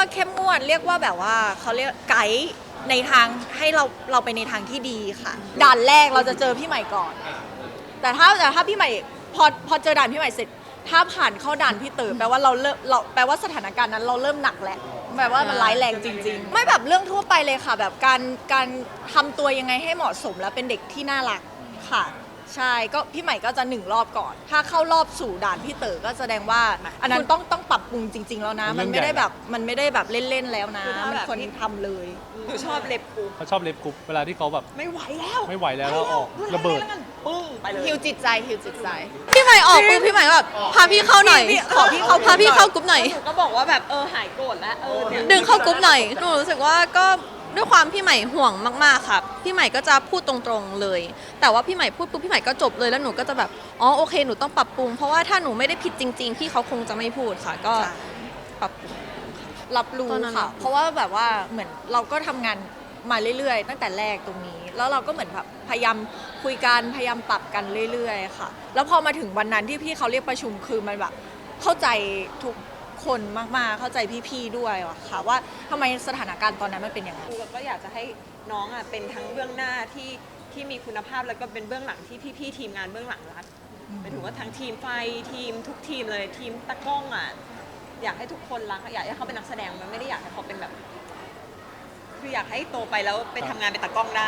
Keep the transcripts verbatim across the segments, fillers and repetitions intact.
ว่าเข้มงวดเรียกว่าแบบว่าเขาเรียกไกด์ในทางให้เราเราไปในทางที่ดีค่ะด่านแรกเราจะเจอพี่ใหม่ก่อน แต่ถ้าแต่ถ้าพี่ใหม่พอพอเจอด่านพี่ใหม่เสร็จถ้าผ่านเข้าด่านพี่เต๋อแปลว่าเราเริ่มเราแปลว่าสถานการณ์นั้นเราเริ่มหนักแล้วแปลว่ามันร้ายแรงจริงๆไม่แบบเรื่องทั่วไปเลยค่ะแบบการการทำตัวยังไงให้เหมาะสมและเป็นเด็กที่น่ารักค่ะใช่ก็พี่ใหม่ก็จะหนึ่งรอบก่อน ถ้าเข้ารอบสู่ด่านพี่เต๋อก็แสดงว่าอันนั้นต้องต้องปรับปรุงจริง ๆแล้วนะมันไม่ได้แบบมันไม่ได้แบบเล่นๆแล้วนะมันควรทำเลยหนูชอบเล็บกูเขาชอบเล็บกรุ๊ปเวลาที่เขาแบบไม่ไหวแล้วไม่ไหวแล้วแล้วออกระเบิดปึ้งไปเลยฮิวจิตใจฮิวจิตใจพี่ใหม่ออกปุ๊บพี่ใหม่ก็แบบพาพี่เข้าหน่อยขอพี่เขาพาพี่เข้ากรุ๊ปหน่อยหนูก็บอกว่าแบบเออหายโกรธแล้วเออเนี่ยดึงเข้ากรุ๊ปหน่อยหนูรู้สึกว่าก็ด้วยความพี่ใหม่ห่วงมากๆค่ะพี่ใหม่ก็จะพูดตรงๆเลย แต่ว่าพี่ใหม่พูดปุ๊บพี่ใหม่ก็จบเลยแล้วหนูก็จะแบบอ๋อโอเคหนูต้องปรับปรุงเพราะว่าถ้าหนูไม่ได้ผิดจริงๆพี่เขาคงจะไม่พูดค่ะก็ปรับปรุงรับรู้ค่ะเพราะว่าแบบว่าเหมือนเราก็ทำงานมาเรื่อยๆตั้งแต่แรกตรงนี้แล้วเราก็เหมือนแบบพยายามคุยกันพยายามปรับกันเรื่อยๆค่ะแล้วพอมาถึงวันนั้นที่พี่เขาเรียกประชุมคือมันแบบเข้าใจทุกคนมากๆเข้าใจพี่ๆด้วยค่ะว่าทำไมสถานการณ์ตอนนั้นมันเป็นอย่างนั้นก็อยากจะให้น้องอ่ะเป็นทั้งเบื้องหน้าที่ที่มีคุณภาพแล้วก็เป็นเบื้องหลังที่พี่ๆทีมงานเบื้องหลังรักหมายถึงว่าทั้งทีมไฟทีมทุกทีมเลยทีมตะกล้องอ่ะอยากให้ทุกคนรักอยากให้เขาเป็นนักแสดงมันไม่ได้อยากให้เขาเป็นแบบคืออยากให้โตไปแล้วไปทำงานเป็นตะกล้องได้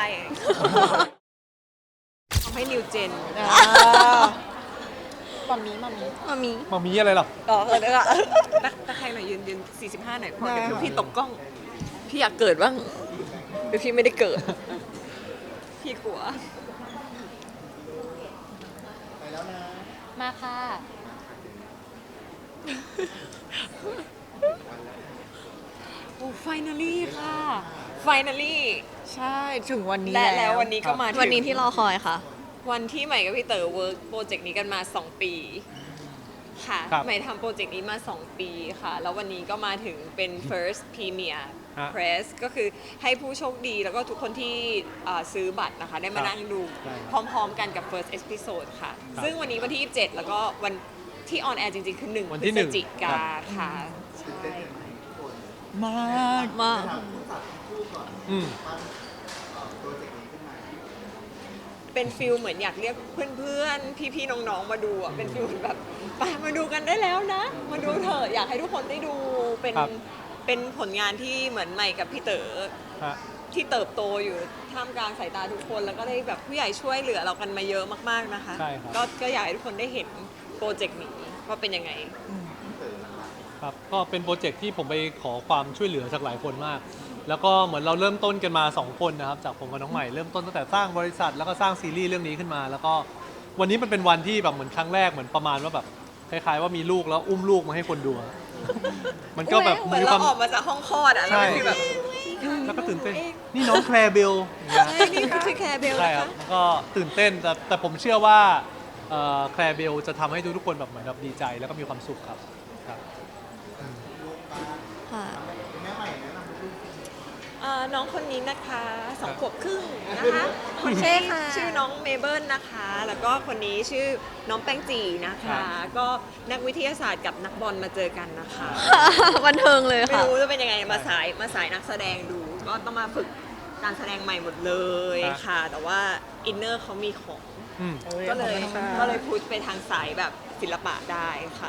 ทำให้นิวเจนมัมมี่มัมมี่มามีมามีอะไรหรออ๋อเออเออตะตะใครหน่อยยืนยืนสี่สิบห้าหน่อยพอเดี๋ยวพี่ตกกล้องพี่อยากเกิดบ้างเดี๋ยวพี่ไม่ได้เกิดพี่กลัวมาค่ะโอ้ไฟนาลี่ค่ะไฟนาลี่ใช่ถึงวันนี้และแล้ววันนี้ก็มาถึงวันนี้ที่รอคอยค่ะวันที่ใหม่กับพี่เต๋อเวิร์กโปรเจกต์นี้กันมาสองปีค่ะใหม่ทำโปรเจกต์นี้มาสองปีค่ะแล้ววันนี้ก็มาถึงเป็น first premier press ก็คือให้ผู้โชคดีแล้วก็ทุกคนที่ซื้อบัตรนะคะได้มานั่งดูพร้อมๆกันกับ first episode ค่ะซึ่งวันนี้วันที่ยี่สิบเจ็ดแล้วก็วันที่ออนแอร์จริงๆคือหนึ่งพฤศจิกาค่ะใช่มากมากอืมเป็นฟิลเหมือนอยากเรียกเพื่อนๆพี่ๆน้องๆมาดูอ่ะเป็นฟิลแบบไปมาดูกันได้แล้วนะมาดูเถอะอยากให้ทุกคนได้ดูเป็นเป็นผลงานที่เหมือนใหม่กับพี่เต๋อที่เติบโตอยู่ท่ามกลางสายตาทุกคนแล้วก็ได้แบบผู้ใหญ่ช่วยเหลือเรากันมาเยอะมากๆนะคะก็ก็อยากให้ทุกคนได้เห็นโปรเจกต์นี้ว่าเป็นยังไงครับก็เป็นโปรเจกต์ที่ผมไปขอความช่วยเหลือจากหลายคนมากแล้วก็เหมือนเราเริ่มต้นกันมาสองคนนะครับจากผมกับน้องใหม่เริ่มต้นตั้งแต่สร้างบริษัทแล้วก็สร้างซีรีส์เรื่องนี้ขึ้นมาแล้วก็วันนี้มันเป็นวันที่แบบเหมือนครั้งแรกเหมือนประมาณว่าแบบคล้ายๆว่ามีลูกแล้วอุ้มลูกมาให้คนดูมันก็แบบเหมือนเราออกมาจากห้องคลอดอ่ะแล้วคือแบบแล้วก็ตื่นเต้นนี่น้องแคลร์เบลใช่นี่คือแคลร์เบลใช่ครับก็ตื่นเต้นแต่แต่ผมเชื่อว่าแคลร์เบลจะทำให้ทุกคนแบบเหมือนแบบดีใจแล้วก็มีความสุขครับครับค่ะน้องคนนี้นะคะสองขวบครึ่งนะคะคนนี้ชื่อน้องเมเบิลนะคะแล้วก็คนนี้ชื่อน้องแป้งจีนะคะก็นักวิทยาศาสตร์กับนักบอลมาเจอกันนะคะบันเทิงเลยค่ะไม่รู้จะเป็นยังไงมาสายมาสายนักแสดงดูก็ต้องมาฝึกการแสดงใหม่หมดเลยค่ะแต่ว่าอินเนอร์เขามีของก็เลยก็เลยพุชไปทางสายแบบศิลปะได้ค่ะ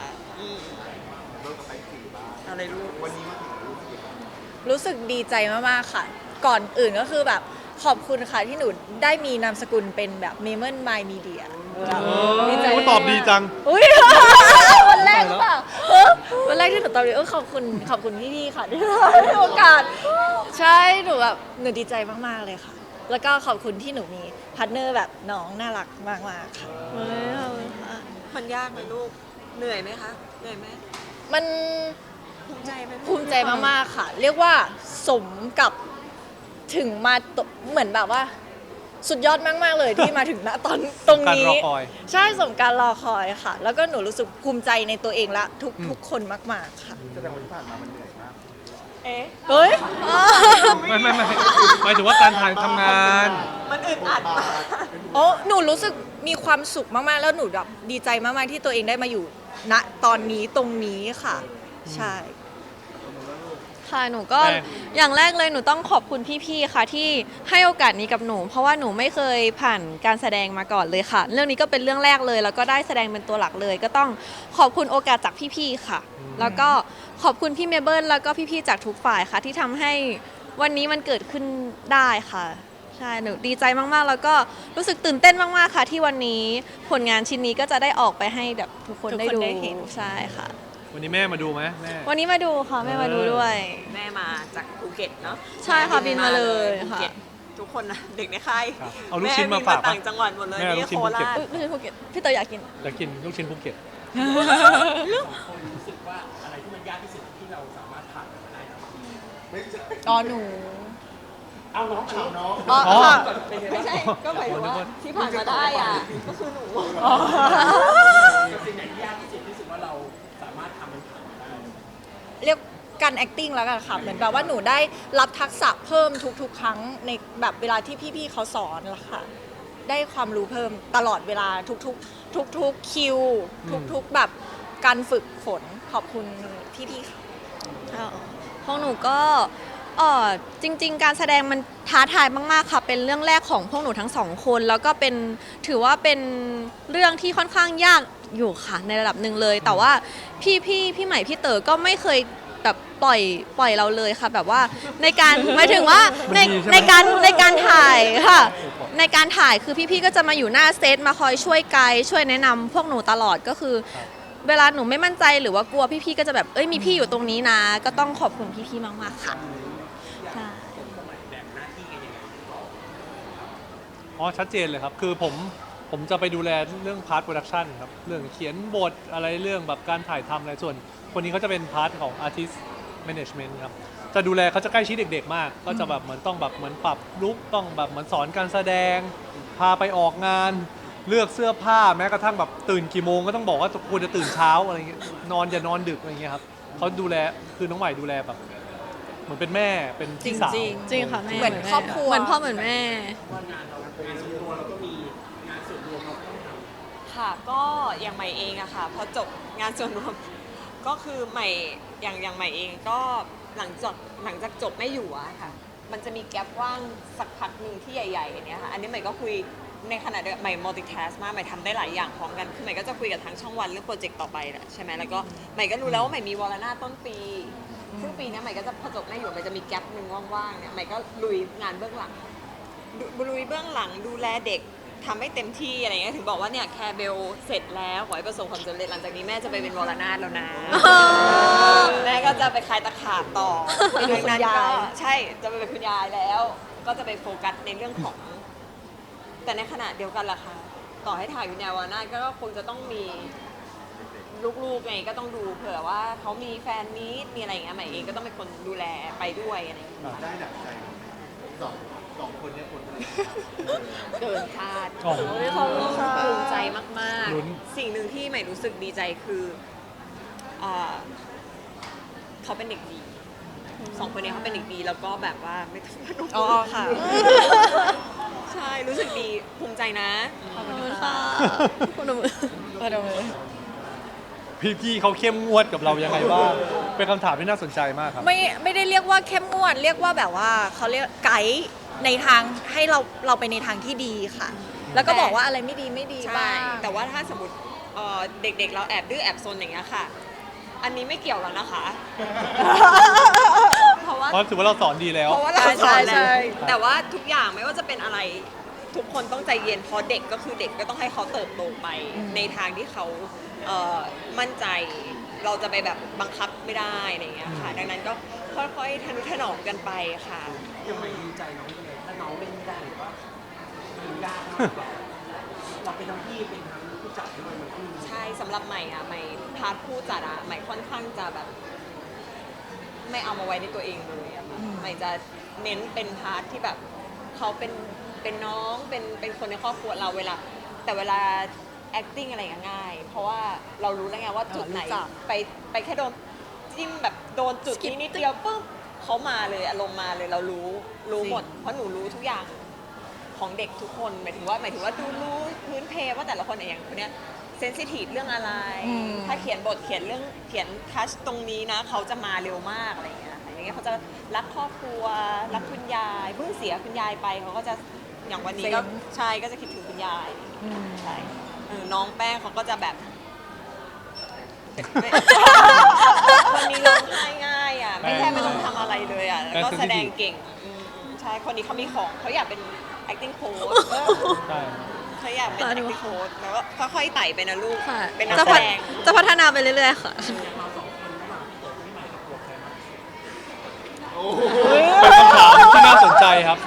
อะไรลูกวันนี้รู้สึกดีใจมากๆค่ะก่อนอื่นก็คือแบบขอบคุณค่ะที่หนูได้มีนามสกุลเป็นแบบเมเมนไมล์มีเดียดีใจตอบดีจังอุ้ยวันแรกหรือเปล่าวันแรกที่หนูตอบดีเออขอบคุณขอบคุณพี่ๆค่ะที่ให้โอกาสใช่หนูแบบหนูดีใจมากๆเลยค่ะแล้วก็ขอบคุณที่หนูมีพาร์ทเนอร์แบบน้องน่ารักมากๆค่ะมันยากไหมลูกเหนื่อยไหมคะเหนื่อยไหมมันภูมิใจไหมภูมิใจมากๆค่ะเรียกว่าสมกับถึงมาเหมือนแบบว่าสุดยอดมากๆเลยที่มาถึงณตอนตรงนี้ใช่สมการรอคอยค่ะแล้วก็หนูรู้สึกภูมิใจในตัวเองและทุกทุกคนมากๆค่ะแสดงว่าที่ผ่านมามันเหนื่อยมากเอ๊ะเฮ้ยไม่ไม่ไม่หมายถึงว่าการถ่ายทำงานมันอึดอัดมากโอ้หนูรู้สึกมีความสุขมากๆแล้วหนูแบบดีใจมากๆที่ตัวเองได้มาอยู่ณตอนนี้ตรงนี้ค่ะใช่ค่ะหนูก็แป้งอย่างแรกเลยหนูต้องขอบคุณพี่ๆค่ะที่ให้โอกาสนี้กับหนู เพราะว่าหนูไม่เคยผ่านการแสดงมาก่อนเลยค่ะ เรื่องนี้ก็เป็นเรื่องแรกเลย แล้วก็ได้แสดงเป็นตัวหลักเลย ก็ต้องขอบคุณโอกาสจากพี่ๆค่ะ แล้วก็ขอบคุณพี่เมเบิลแล้วก็พี่ๆจากทุกฝ่ายค่ะ ที่ทำให้วันนี้มันเกิดขึ้นได้ค่ะใช่หนูดีใจมากๆ แล้วก็รู้สึกตื่นเต้นมากๆค่ะ ที่วันนี้ผลงานชิ้นนี้ก็จะได้ออกไปให้แบบทุกคนทุกคนได้ดูได้เห็นใช่ค่ะวันนี้แม่มาดูไหมแม่วันนี้มาดูค่ะแม่มาดูด้วยแม่มาจากภูเก็ตเนาะใช่ค่ะบินมาเลยภูค่ะเก็ตทุกคนนะเด็กในค่ายครับเอาลูกชิ้นมาฝากแบินต่างจังหวัดหมดเลยแม่เอาลูนี่กชิ้นโคภูเก็ตราชอุ๊ยไม่ใช่ภูเก็ตพี่เต๋ออยากกินอยากกินลูกชิ้นภูเก็ตอ๋อหนูเอาน้องถามน้องอ๋ออ๋อค่ะไม่ใช่ก็หมายถึงว่าที่ผ่านมาได้อ่ะก็คือหนูเรียกการ acting แล้วกันค่ะเหมือนแบบว่าหนูได้รับทักษะเพิ่มทุกๆ ครั้งในแบบเวลาที่พี่ๆเขาสอนละค่ะ ได้ความรู้เพิ่มตลอดเวลาทุกๆ ทุกๆคิว ทุกๆแบบการฝึกฝนขอบคุณพี่ๆค่ะของหนูก็เออจริง ๆ การแสดงมันท้าทายมากๆค่ะ เป็นเรื่องแรกของพวกหนูทั้งสองคน แล้วก็เป็นถือว่าเป็นเรื่องที่ค่อนข้างยากอยู่ค่ะในระดับหนึ่งเลย แต่ว่าพี่พี่พี่ใหม่พี่เต๋อก็ไม่เคยแบบปล่อยปล่อยเราเลยค่ะ แบบว่าในการหมายถึงว่าในมันดีใช่ไหมในการในการถ่ายค่ะ ในการถ่ายคือพี่ๆก็จะมาอยู่หน้าเซตมาคอยช่วยไกด์ช่วยแนะนำพวกหนูตลอดก็คือ เวลาหนูไม่มั่นใจหรือว่ากลัวพี่ๆก็จะแบบเอ้ยมีพี่อยู่ตรงนี้นะ ก็ต้องขอบคุณพี่ๆมากๆค่ะใช่อ๋อชัดเจนเลยครับ คือผมผมจะไปดูแลเรื่องพาร์ทโปรดักชันครับ เรื่องเขียนบทอะไรเรื่องแบบการถ่ายทำอะไรส่วน คนนี้เขาจะเป็นพาร์ทของ Artist Management ครับ จะดูแลเขาจะใกล้ชิดเด็กๆมาก ก็จะแบบเหมือนต้องแบบเหมือนปรับลุคต้องแบบเหมือนสอนการแสดง พาไปออกงาน เลือกเสื้อผ้าแม้กระทั่งแบบตื่นกี่โมงก็ต้องบอกว่าควรจะตื่นเช้าอะไรเงี้ยนอนอย่านอนดึกอะไรเงี้ยครับเขาดูแลคือน้องใหม่ดูแลแบบ เหมือนเป็นแม่เป็นพี่สาวจริงจริงค่ะแม่เหมือนครอบครัวเหมือนพ่อเหมือนแม่ค่ะก็อย่างใหม่เองอะค่ะพอจบงานส่วนรวมก็คือใหม่อย่างอย่างใหม่เองก็หลังจากหลังจากจบไม่อยู่อะค่ะ มันจะมีแกลบว่างสักพักหนึ่งที่ใหญ่ๆอย่างเนี้ยค่ะอันนี้ใหม่ก็คุยในขณะเดียวกันใหม่ multitask มากใหม่ทำได้หลายอย่างพร้อมกันคือใหม่ก็จะคุยกับทางช่องวันเรื่องโปรเจกต์ต่อไปแหละใช่ไหมแล้วก็ใหม่ก็รู้แล้วว่าใหม่มีวอลนาต้นปีซึ่งปีเนี้ยใหม่ก็จะพอจบไม่อยู่ใหม่จะมีแกลบหนึ่งว่างๆเนี่ยใหม่ก็ลุยงานเบื้องหลัง ดูลุยเบื้องหลังดูแลเด็กทำให้เต็มที่อะไรเงี้ยถึงบอกว่าเนี่ยแคร์เบลเสร็จแล้วขอให้ประสบความสำเร็จหลังจากนี้แม่จะไปเป็นวรนาถแล้วนะ แม่ก็จะไปคลายตะขาบต่อไปดูคุณยายก็ใช่จะไปเป็นคุณยายแล้ว ก็จะไปโฟกัสในเรื่องของ แต่ในขณะเดียวกันล่ะค่ะต่อให้ถ่ายวิญญาณวรนาถก็คงจะต้องมีลูกๆไงก็ต้องดูเผื่อว่าเขามีแฟนมีตมีอะไรอย่างเงี้ยใหม่เองก็ต้องเป็นคนดูแลไปด้วยอะไรอย่างเงี้ยได้ดั่งใจสองสองคนเนี้คนอะไรเกินคาดอ๋อภูมิใจมากลุ้นๆ สิ่งหนึ่งที่ใหม่รู้สึกดีใจคืออ่าเขาเป็นเด็กดีสองคนนี้เขาเป็นเด็กดีแล้วก็แบบว่าไม่ต้องพนมอ๋อค่ะใช่รู้สึกดีภูมิใจนะขอบคุณค่ะคุณหนูพี่ๆเขาเข้มงวดกับเรายังไงบ้าง เป็นคำถามที่น่าสนใจมากครับไม่ไม่ได้เรียกว่าเข้มงวดเรียกว่าแบบว่าเขาเรียกไกด์ในทางให้เราเราไปในทางที่ดีค่ะ แล้วก็บอกว่าอะไรไม่ดีไม่ดีใช่บ้างแต่ว่าถ้าสมมติเอ่อเด็กๆ เราแอบดื้อแอบซนอย่างเงี้ยค่ะ อันนี้ไม่เกี่ยวแล้วนะคะ เพราะว่าเพราะถือว่าเราสอนดีแล้วเพราะว่าเราสใช่อนแล้ใช่วแต่ว่าทุกอย่างไม่ว่าจะเป็นอะไรทุกคนต้องใจเย็นเพราะเด็กก็คือเด็กก็ต้องให้เขาเติบโตไปในทางที่เขาเอ่อมั่นใจเราจะไปแบบบังคับไม่ได้อะไรอย่างเงี้ยค่ะ ดังนั้นก็ค่อยๆทนุถนอมกันไปค่ะยังไม่ดีใจน้องเลยถ้าน้องเล่นไม่ได้หรือว่ามันยากมากกว่าเราเป็นทั้งพี่เป็นทั้งผู้จัดด้วยมันก็มีใช่สำหรับใหม่อะใหม่พาร์ทผู้จัดอะใหม่ค่อนข้างจะแบบ ไม่เอามาไว้ในตัวเองเลยอะค่ะใหม่จะเน้นเป็นพาร์ทที่แบบเขาเป็นเป็นน้องเป็นเป็นคนในครอบครัวเราเวลา แต่เวลา acting อะไรก็ง่าย เพราะว่าเรารู้แล้วไงว่าจุดไหนรู้จักไปไปแค่โดนจิ้มแบบโดนจุดนี้นิดเดียวปุ๊บเขามาเลยอารมณ์มาเลยเรารู้รู้หมด เพราะหนูรู้ทุกอย่างของเด็กทุกคนหมายถึงว่าหมายถึงว่าดูรู้พื้นเพว่าแต่ละคนอย่างคนเนี้ยเซนซิทีฟเรื่องอะไรอืมถ้าเขียนบทเขียนเรื่องเขียนทัชตรงนี้นะเขาจะมาเร็วมากอะไรอย่างเงี้ยค่ะอย่างเงี้ยเขาจะจะรักครอบครัวรักคุณยายเพิ่งเสียคุณยายไปเขาก็จะอย่างวันนี้ก็ใช่ก็จะคิดถึงคุณยายใช่เออน้องแป้งเขาก็จะแบบ คนนี้ร้องไห้ง่ายอ่ะไม่แค่ไม่ต้องทำอะไรเลยอ่ะแล้วก็แสดงเก่งอืมใช่คนนี้เขามีของเขาอยากเป็น acting coach ใช่เขาอยากเป็น acting coach แล้วก็ค่อยๆไต่ไปนะลูกค่ะเป็นนักจะแสพัฒดงจะพัฒนาไปเรื่อยๆค่ะเป็นคำถามที่น่าสนใจครับ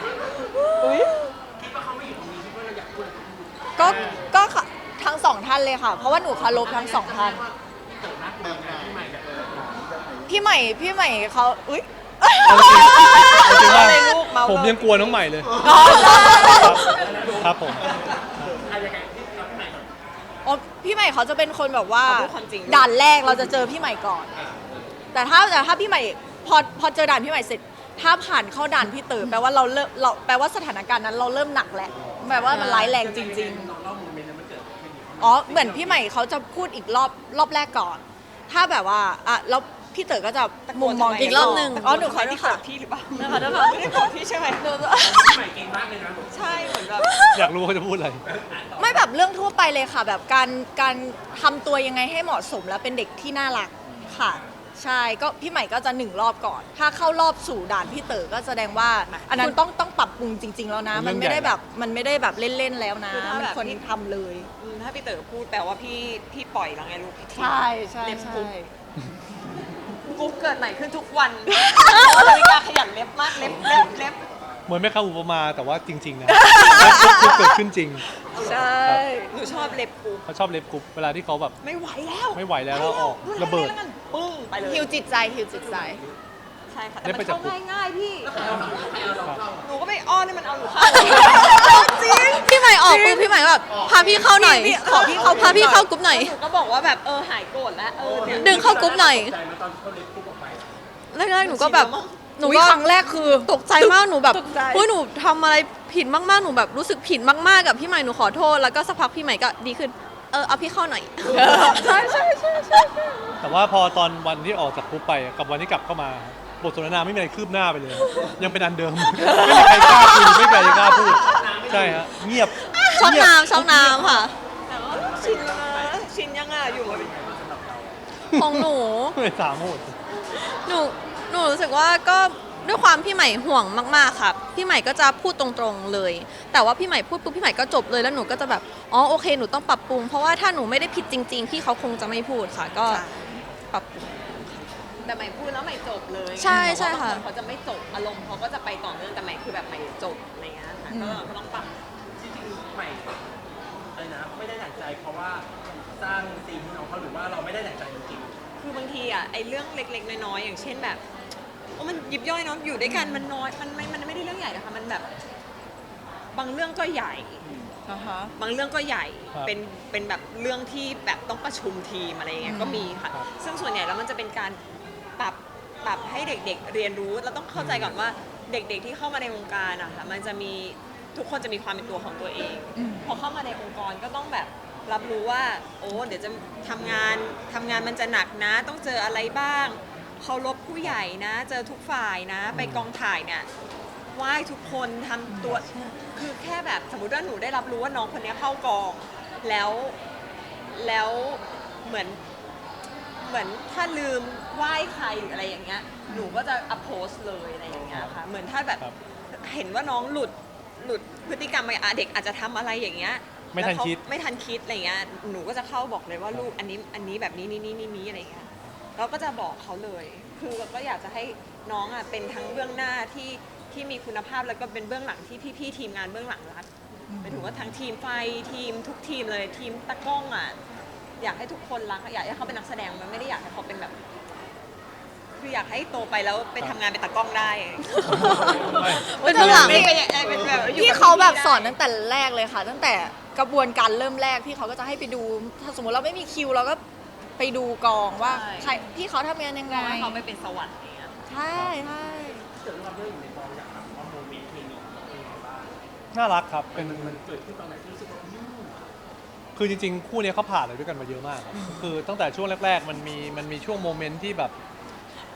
ก็ก็ค่ะทั้งสองท่านเลยค่ะ เพราะว่าหนูเคารพทั้งสองท่านพี่ใหม่พี่ใหม่เขาอุ้ยจริงๆว่าเลยลูกเมาเลยผมยังกลัวน้องใหม่เลยอ๋อครับครับผมอ๋อพี่ใหม่เขาจะเป็นคนแบบว่าเขาพูดความจริงด่านแรกเราจะเจอพี่ใหม่ก่อน แต่ถ้าแต่ถ้าพี่ใหม่พอพอเจอด่านพี่ใหม่เสร็จ ถ้าผ่านเข้าด่านพี่เต๋อแปลว่าเราเริ่มเราแปลว่าสถานการณ์นั้นเราเริ่มหนักแล้วแปลว่ามันร้ายแรงจริง ๆ อ๋อเหมือนพี่ใหม่เขาจะพูดอีกรอบรอบแรกก่อน ถ้าแบบว่าอ่ะแล้วพี่เต๋อก็จะมุมมองอีกรอบหนึ่งอ๋อหนูขอโทที่ษโกรค่ะธพี่หรือเปล่าหนูขอโทษค่ะไม่ได้โกรธพี่ใช่ไหมหนูใหม่เก่งมากเลยนะใช่เหมือนแบบอยากรู้เขาจะพูดอะไรไม่แบบเรื่องทั่วไปเลยค่ะ แบบการการทำตัวยังไงให้เหมาะสมแล้วเป็นเด็กที่น่ารักค่ะ ใช่ก็พี่ใหม่ก็จะหนึ่งรอบก่อน ถ้าเข้ารอบสู่ด่านพี่เต๋อก็แสดงว่า อันนั้นต้องต้องปรับปรุงจริง ๆ แล้วนะเป็นเรื่อน งมัไม่ได้ใหญ่แบบมันไม่ได้แบบเล่น ๆ แล้วนะคือถ้ามันแบบควรพี่ทำเลยอืมถ้าพี่เต๋อพูดแปลว่าพี่พี่ปล่อยแล้วไงลูกใช่ใช่เล็บใช่กุ๊บกุ๊บเกิดใหม่ขึ้นทุกวันเพราะนาฬิกาขยันเล็บมากเล็บเล็บเล็บเหมือนไม่เข้าอุปมาแต่ว่าจริง ๆ นะทุกเกิดขึ้นจริงใช่หนูชอบเล็บกุ๊บเขาชอบเล็บกรุ๊ปเวลาที่เขาแบบไม่ไหวแล้วไม่ไหวแล้วแล้วออกระเบิดแล้วกันปึ้งไปเลยฮิวจิตใจฮิวจิตใจใช่ค่ะแต่เล็บมัไปนจากเข้ากุ๊บง่ายๆพี่ครับหนูก็ไม่อ้อนให้มันเอาหนูเข้าจริงพี่ใหม่ออกปุ๊บพี่ใหม่ก็แบบพาพี่เข้าหน่อยพี่ขอพี่เข้าพาพี่เข้ากรุ๊ปหน่อยหนูก็บอกว่าแบบเออหายโกรธแล้วเออเนี่ยดึงเข้ากรุ๊ปหน่อยใจมาตอนเขาเล็บปุ๊บออกไปแรกๆหนูก็แบบหนูอุ๊ยก็ครั้งแรกคือตกใจมากหนูแบบตกใจเฮ้ยหนูทำอะไรผิดมากๆหนูแบบรู้สึกผิดมากๆกับพี่ใหม่หนูขอโทษแล้วก็สักพักพี่ใหม่ก็ดีขึ้นเออเอาพี่เข้าหน่อยใช่ใช่ใช่ใช่แต่ว่าพอตอนวันที่ออกจากกรุ๊ปไปกับวันที่กลับเข้ามาบทสนทนาไม่มีอะไรคืบหน้าไปเลย ยังเป็นอันเดิม ไม่มีใครกล้าคุยไม่มีใครกล้าพูดใช่ฮะเงียบช่องเงียบน้ำช่องน้ำค่ะแต่ว่าชินแล้วนะชินยังอ่ะอยู่มาเป็นของหนูไม่สามโหดหนูหนูรู้สึกว่าก็ด้วยความพี่ใหม่ห่วงมากๆค่ะพี่ใหม่ก็จะพูดตรงๆเลย แต่ว่าพี่ใหม่พูดปุ๊บพี่ใหม่ก็จบเลยแล้วหนูก็จะแบบอ๋อโอเคหนูต้องปรับปรุงเพราะว่าถ้าหนูไม่ได้ผิดจริง ๆ พี่เขาคงจะไม่พูดค่ะ ก็ปรับปรุงแต่ใหม่พูดแล้วใหม่จบเลยใช่ใช่เพราว่าค่ะบางคนเขาจะไม่จบอารมณ์เขาก็จะไปต่อเนื่องแต่ใหม่คือแบบใหม่จบอะไรเงี้ยค่ะก็ก็ต้องปรับจริงๆใหม่อะไรนะไม่ได้ดั่งใจเพราะว่าสร้างซีนให้น้องเขาหรือว่าเราไม่ได้ดั่งใจจริงคือบางทีอ่ะไอ้เรื่องเล็กๆน้อยๆอย่างเช่นแบบโอ้มันยิบย่อยเนาะอยู่ด้วยกันมันน้อยมันไม่มันไม่ได้เรื่องใหญ่นะคะมันแบบบางเรื่องก็ใหญ่อ่าฮะบางเรื่องก็ใหญ่ครับเป็นเป็นแบบเรื่องที่แบบต้องประชุมทีมอะไรอย่างเงี้ยก็มีค่ะครับซึ่งส่วนใหญ่แล้วมันจะเป็นการปรับปรับให้เด็กๆ เรียนรู้เราต้องเข้าใจก่อนว่าเด็กๆที่เข้ามาในวงการอะค่ะมันจะมีทุกคนจะมีความเป็นตัวของตัวเองอืมพอเข้ามาในองค์กรก็ต้องแบบรับรู้ว่า โอ้เดี๋ยวจะทำงานทำงานมันจะหนักนะ ต้องเจออะไรบ้างเคารพผู้ใหญ่นะ เจอทุกฝ่ายนะ ไปกองถ่ายเนี่ยไหว้ทุกคนทำตัวคือแค่แบบสมมติว่าหนูได้รับรู้ว่าน้องคนนี้เข้ากองแล้วแล้วเหมือน เหมือนถ้าลืมไหว้ใครหรืออะไรอย่างเงี้ย หนูก็จะอัพโพสเลยอะไรอย่างเงี้ยค่ะ เหมือนถ้าแบบครับเห็นว่าน้องหลุดหลุดพฤติกรรมไปอ่ะเด็กอาจจะทำอะไรอย่างเงี้ยไม่ทันแล้วเขาคิดไม่ทันคิดอะไรเงี้ย หนูก็จะเข้าบอกเลยว่าลูกอันนี้อันนี้แบบนี้นี่นี่นี่นี่อะไรเงี้ย เราก็จะบอกเขาเลย คือเราก็อยากจะให้น้องอ่ะเป็นทั้งเบื้องหน้าที่ที่มีคุณภาพแล้วก็เป็นเบื้องหลังที่พี่ๆทีมงานเบื้องหลังรักหมายถึงว่าทั้งทีมไฟทีมทุกทีมเลยทีมตะกล้องอ่ะ อยากให้ทุกคนรักอยากให้เขาเป็นนักแสดงมันไม่ได้อยากให้เขาเป็นแบบ คืออยากให้โตไปแล้วไปทำงานเป็นตากล้องได้เป็นเบื้องหลังไม่เป็นเป็นแบบอยู่พี่กับเขาแบบได้สอนตั้งแต่แรกเลยค่ะ ตั้งแต่กระบวนการเริ่มแรกพี่เขาก็จะให้ไปดู ถ้าสมมติเราไม่มีคิวเราก็ไปดูกองว่าใช่ใครพี่เขาทำงานยังไงให้เขาไปเป็นสวรรค์อย่างเงี้ยใช่ใช่ๆเกิดเราเรื่องอยู่ในกองอยากถามว่าโมเมนต์เคมีของเองบ้างน่ารักครับเป็นมันมันเกิดขึ้นตอนไหนที่รู้สึกว่าอืมคือจริงๆ คู่เนี้ยเขาผ่านอะไรด้วยกันมาเยอะมากครับคือตั้งแต่ช่วงแรก ๆ มันมีมันมีช่วงโมเมนต์ที่แบบ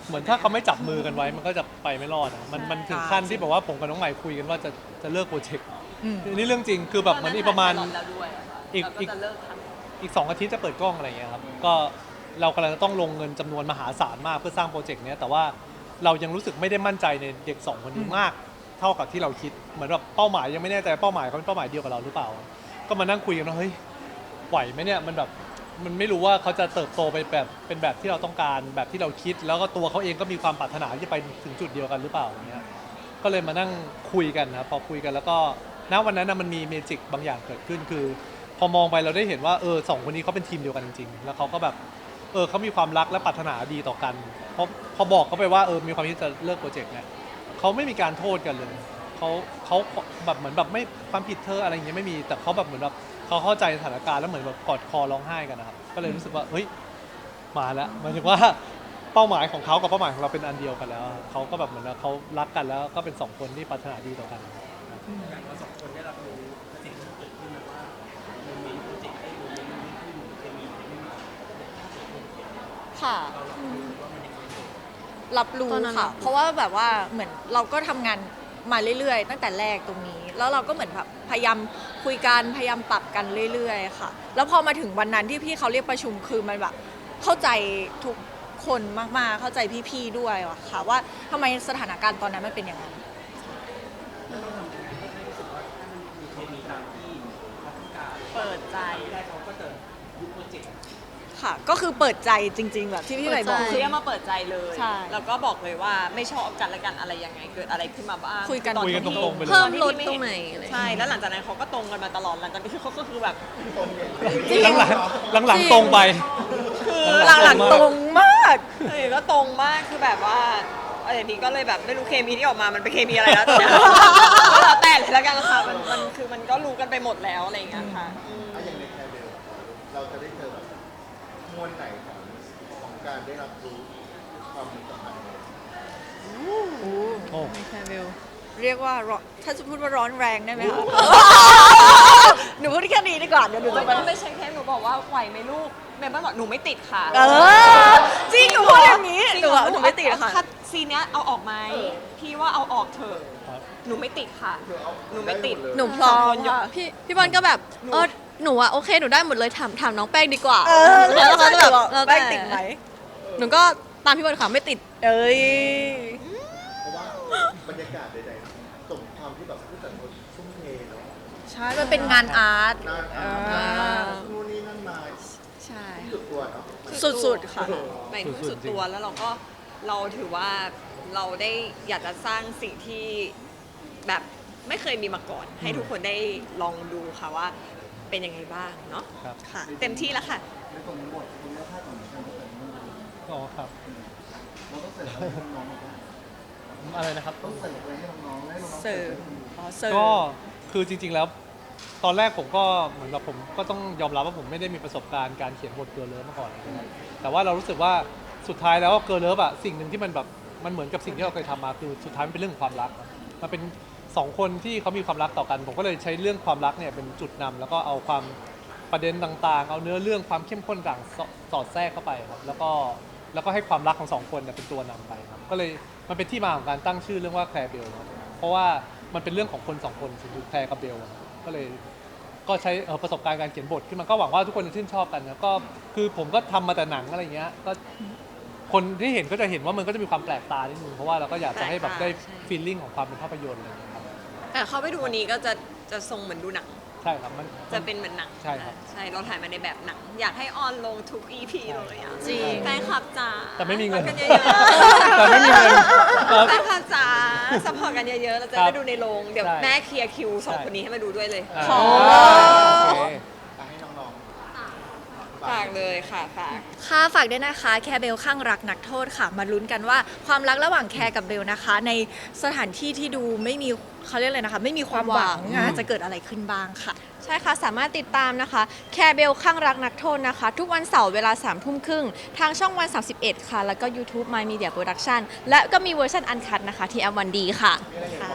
เหมือนถ้าเขาไม่จับมือกันไว้มันก็จะไปไม่รอดอะมันมันถึงขั้นที่แบบว่าผมกับน้องใหม่คุยกันว่าจะจะเลิกโปรเจกต์อืมนี่เรื่องจริงคือแบบเหมือนอีกประมาณแล้วด้วยอะค่ะอีกเราอีกจะเลิกทำอีกสองอาทิตย์จะเปิดกล้องอะไรอย่างเงี้ยครับก็เรากำลังจะต้องลงเงินจำนวนมหาศาลมากเพื่อสร้างโปรเจกต์เนี้ยแต่ว่าเรายังรู้สึกไม่ได้มั่นใจในเด็กสองคนนี้มากเท่ากับที่เราคิดเหมือนแบบเป้าหมายยังไม่แน่ใจเป้าหมายเขาเป็นเป้าหมายเดียวกับเราหรือเปล่า ก็มานั่งคุยกันว่าเฮ้ยไหวไหมเนี่ยมันแบบมันไม่รู้ว่าเขาจะเติบโตไปแบบเป็นแบบที่เราต้องการแบบที่เราคิด แล้วก็ตัวเขาเองก็มีความปรารถนาที่จะไปถึงจุดเดียวกันหรือเปล่าอย่างเงี้ยก็เลยมานั่งคุยกันนะครับพอคุยกันแล้วก็ณวันนั้นนะมันมีเมจิกบางอย่างเกิดขึ้นคือ พอมองไปเราได้เห็นว่าเออสองคนนี้เขาเป็นทีมเดียวกันจริงๆแล้วเขาก็แบบเออเขามีความรักและปรารถนาดีต่อกันพอพอบอกเขาไปว่าเออมีความคิดจะเลิกโปรเจกต์เนี่ยเขาไม่มีการโทษกันเลยเขาเขาแบบเหมือนแบบไม่ความผิดเธออะไรอย่างเงี้ยไม่มีแต่เขาแบบเหมือนแบบเขาเข้าใจสถานการณ์แล้วเหมือนแบบกอดคอร้องไห้กันนะครับก็เลยรู้สึกว่าเฮ้ยมาแล้วหมายถึงว่าเป้าหมายของเขากับเป้าหมายของเราเป็นอันเดียวกันแล้วเขาก็แบบเหมือนว่าเขารักกันแล้วก็เป็นสองคนที่ปรารถนาดีต่อกันเราสองคนได้รับรู้สิ่งที่เกิดขึ้นนะว่าโมเมนต์โปรเจกต์ไอ้โมเมนต์มันไม่ขึ้นเคมีมันไม่มาค่ะเรารับรู้ว่ามันยังไงรับรู้ตอนนั้นค่ะรับรู้เพราะว่าแบบว่าเหมือนเราก็ทำงานมาเรื่อยๆ ตั้งแต่แรกตรงนี้ แล้วเราก็เหมือนแบบพยายามคุยกันพยายามปรับกันเรื่อยๆค่ะ แล้วพอมาถึงวันนั้นที่พี่เขาเรียกประชุมคือมันแบบเข้าใจทุกคนมากๆเข้าใจพี่ๆด้วยอะค่ะ ว่าทำไมสถานการณ์ตอนนั้นมันเป็นอย่างนั้นแล้วเราทำยังไงให้รู้สึกว่าถ้ามันมีเคมีตามที่เขาต้องการเปิดใจได้เขาก็จะยุบโปรเจกต์ค่ะ ก็คือเปิดใจจริง ๆ แบบที่พี่ใหม่บอกเปิดใจคือเรียกมาเปิดใจเลยใช่แล้วก็บอกเลยว่าไม่ชอบกันและกันอะไรยังไงเกิดอะไรขึ้นมาบ้างคุยกันอคุยกันที่ตรงๆไปเลยเพิ่มตอนที่ลดพี่ตรงไหนอะไรใช่แล้วหลังจากนั้นเขาก็ตรงกันมาตลอดหลังจากนี้เขาก็คือแบบหลังหลังหลังหลังๆตรงไปคือหลังๆตรงมากเออก็ตรงมากคือแบบว่าเออนี้ก็เลยแบบไม่รู้เคมีที่ออกมามันเป็นเคมีอะไรแล้วแต่ก็แล้วแต่เลยแล้วกันค่ะมันมันคือมันก็รู้กันไปหมดแล้วอะไรอย่างเงี้ยค่ะอืมถ้าอย่างในแคร์เบลเราจะได้เจอแบบมวลไหนของของการได้รับรู้ความสัมพันธ์เนี่ยโอ้แคร์เบลเรียกว่าร้อนถ้าจะพูดว่าร้อนแรงได้ไหมคะ หนูพูดแค่นี้ดีกว่าเดี๋ยวหนูไม่จะไปต้องไม่ใช่แค่หนูบอกว่าไหวไหมลูกเมย์บ้านบอกหนูไม่ติดค่ะเออจริงหนูพูดอย่างนี้จริหนูเรว่าหนูไม่ติดค่ะถ้าซีนเนี้ยเอาออกไหมพี่ว่าเอาออกเถอะครับหนูไม่ติดค่ะ หนูไม่ติดหนูพร้อมค่ะพี่พี่บอลก็แบบเออหนูอะโอเคหนูได้หมดเลยถามถามน้องแป้งดีกว่าเออแล้วเขาจะแบบแล้แล้ว วแป้แต่งติดไหมหนูก็ตามพี่บอลค่ะไม่ติดเอ้ยเพราะว่าบรรยากาศใดๆส่งความที่แบบผู้แต่งคนทุ่มเทเนาะใช่ มันเป็นงานอาร์ตนานเออ่าอนู่นนี่นั่นมาใช่สุดตัวเนาะสุดๆค่ะหมายถึงสุดตัวแล้วเราก็เราถือว่าเราได้อยากจะสร้างสิ่งที่แบบไม่เคยมีมาก่อน ให้ทุกคนได้ลองดูค่ะว่าเป็นยังไงบ้างเนาะครับค่ะเต็มที่แล้วค่ะในตรงบทคุณภาพของการแต่งงานอ๋อครับเราต้องเสิร์ฟอะไรให้น้องๆบ้างอะไรนะครับต้องเสิร์ฟอะไรให้น้องๆให้น้องๆเสิร์ฟ อ๋อเสิร์ฟก็คือจริงๆแล้ว ตอนแรกผมก็เหมือนกับผมก็ต้องยอมรับว่าผมไม่ได้มีประสบการณ์การเขียนบทเกิร์ลเลิฟมาก่อนนะครับแต่ว่าเรารู้สึกว่าสุดท้ายแล้วเกิร์ลเลิฟอะสิ่งหนึ่งที่มันแบบมันเหมือนกับสิ่งที่เราเคยทำมาคือสุดท้ายมันเป็นเรื่องของความรักครับมันเป็นสองคนที่เขามีความรักต่อกัน ผมก็เลยใช้เรื่องความรักเนี่ยเป็นจุดนำแล้วก็เอาความประเด็นต่างๆ เอาเนื้อเรื่องความเข้มข้นต่างสสอดแทรกเข้าไปครับแล้วก็แล้วก็ให้ความรักของสองคนเนี่ยเป็นตัวนำไปครับก็เลยมันเป็นที่มาของการตั้งชื่อเรื่องว่าแคร์เบลครับเพราะว่ามันเป็นเรื่องของคนสองคนคือแคร์กับเบลครับก็เลย ก็ใช้เอ่อประสบการณ์การเขียนบทขึ้นมาก็หวังว่าทุกคนจะชื่นชอบกันนะก็คือผมก็ทำมาแต่หนังอะไรเงี้ยก็คนที่เห็นก็จะเห็นว่ามันก็จะมีความแปลกตานิดนึงเพราะว่าเราก็อยากจะให้แบบได้ใช่ฟีลลิ่งของความเป็นภาพยนตร์อะไรอย่างเงี้ยครับแต่เข้าไปดูวันนี้ก็จะจะทรงเหมือนดูหนังใช่ครับมันจะเป็นเหมือนหนังใช่ครับใช่เราถ่ายมาในแบบหนัง อยากให้ออนลงทุก อี พี เลยอ่ะจริงแฟนคลับจ๋าแต่ไม่มีเงินซัพพอร์ตกันเยอะๆแต่ไม่มีเงินครับแฟนคลับจ๋าซัพพอร์ตกันเยอะๆเราจะครับได้ดูในโรงเดี๋ยวใช่แม่เคลียร์คิวสองใช่คนนี้ให้มาดูด้วยเลยอ่าขอโอเคให้น้องๆฝากเลยค่ะฝากค่ะฝากด้วยนะคะแคร์เบลข้างรักนักโทษค่ะ มาลุ้นกันว่าความรักระหว่างแคร์กับเบลนะคะ ในสถานที่ที่ดูไม่มีเขาเรียกอะไรนะคะ ไม่มีความหวังอ่ะจะเกิดอะไรขึ้นบ้างค่ะใช่ค่ะ สามารถติดตามนะคะ แคร์เบลข้างรักนักโทษนะคะ ทุกวันเสาร์เวลา3ามทุ่มครึ่ง ทางช่องวัน สามสิบเอ็ด ค่ะ แล้วก็ YouTube My Media Production และก็มีเวอร์ชันอันคัดนะคะที่แอมวันดีค่ะค่ะ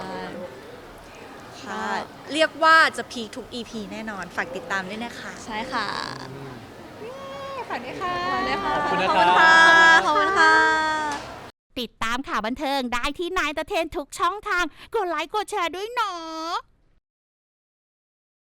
ค่ะ เรียกว่าจะพีคทุก อี พี แน่นอน ฝากติดตามด้วยนะคะใช่ค่ะฝากด้วยค่ะขอบคุณค่ะขอบคุณนะขอบครัคุณค่ะบขอบคุณค่ะตามข่าวบันเทิงได้ที่นายตะเทนทุกช่องทางกดไลค์กดแชร์ด้วยเนาะ